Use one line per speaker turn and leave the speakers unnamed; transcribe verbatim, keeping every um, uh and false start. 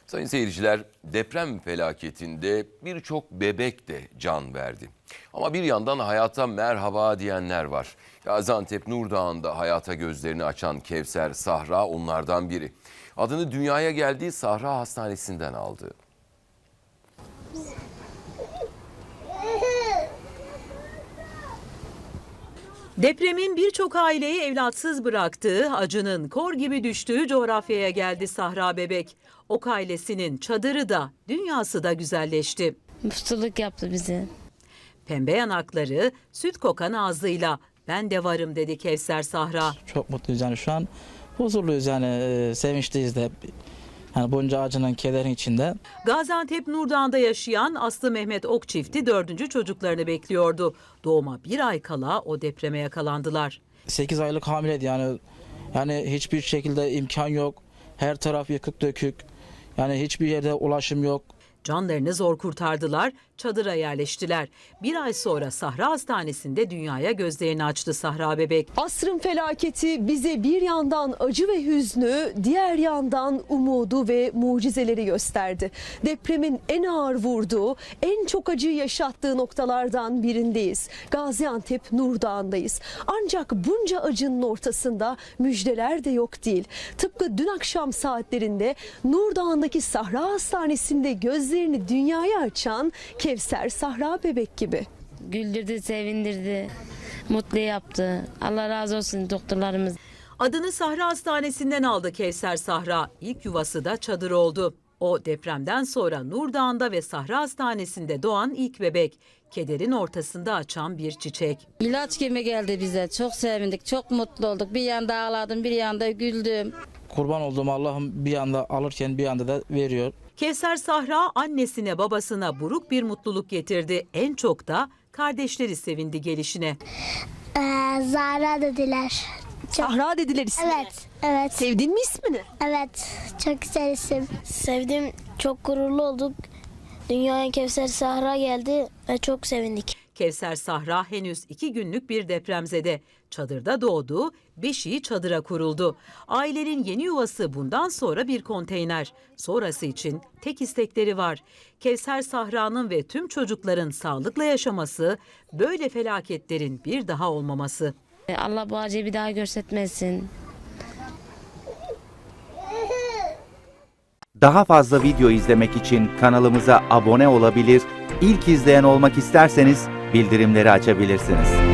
Sayın seyirciler, deprem felaketinde birçok bebek de can verdi. Ama bir yandan hayata merhaba diyenler var. Gaziantep Nurdağ'ında hayata gözlerini açan Kevser Sahra onlardan biri. Adını dünyaya geldiği Sahra Hastanesi'nden aldı.
Depremin birçok aileyi evlatsız bıraktığı, acının kor gibi düştüğü coğrafyaya geldi Sahra bebek. Ok ailesinin çadırı da, dünyası da güzelleşti.
Mutluluk yaptı bizi.
Pembe yanakları, süt kokan ağzıyla ben de varım dedi Kevser Sahra.
Çok mutluyuz yani şu an huzurluyuz yani e, sevinçliyiz de. Yani bunca acının kederin içinde.
Gaziantep Nurdağ'da yaşayan Aslı Mehmet Ok çifti dördüncü çocuklarını bekliyordu. Doğuma bir ay kala o depreme yakalandılar.
sekiz aylık hamileydi yani. Yani hiçbir şekilde imkan yok. Her taraf yıkık dökük. Yani hiçbir yerde ulaşım yok.
Canlarını zor kurtardılar, çadıra yerleştiler. Bir ay sonra Sahra Hastanesi'nde dünyaya gözlerini açtı Sahra bebek.
Asrın felaketi bize bir yandan acı ve hüznü, diğer yandan umudu ve mucizeleri gösterdi. Depremin en ağır vurduğu, en çok acıyı yaşattığı noktalardan birindeyiz. Gaziantep Nurdağ'ındayız. Ancak bunca acının ortasında müjdeler de yok değil. Tıpkı dün akşam saatlerinde Nurdağ'ındaki Sahra Hastanesi'nde gözlerini dünyaya açan Kevser Sahra bebek gibi.
Güldürdü, sevindirdi, mutlu yaptı. Allah razı olsun doktorlarımız.
Adını Sahra Hastanesi'nden aldı Kevser Sahra. İlk yuvası da çadır oldu. O depremden sonra Nurdağ'ında ve Sahra Hastanesi'nde doğan ilk bebek. Kederin ortasında açan bir çiçek.
İlaç gibi geldi bize. Çok sevindik, çok mutlu olduk. Bir yanda ağladım, bir yanda güldüm.
Kurban olduğum Allah'ım bir yanda alırken bir yanda da veriyor.
Kevser Sahra annesine babasına buruk bir mutluluk getirdi. En çok da kardeşleri sevindi gelişine.
Ee, Zahra dediler. Çok,
Sahra dediler ismini.
evet, evet,
Sevdin mi ismini?
evet. Çok güzel isim. Sevdim, çok gururlu olduk. Dünyaya Kevser Sahra geldi ve çok sevindik.
Kevser Sahra henüz iki günlük bir depremzede. Çadırda doğdu, beşiği çadıra kuruldu. Ailenin yeni yuvası bundan sonra bir konteyner. Sonrası için tek istekleri var. Kevser Sahra'nın ve tüm çocukların sağlıkla yaşaması, böyle felaketlerin bir daha olmaması.
Allah bu acıyı bir daha görsetmesin.
Daha fazla video izlemek için kanalımıza abone olabilir, ilk izleyen olmak isterseniz bildirimleri açabilirsiniz.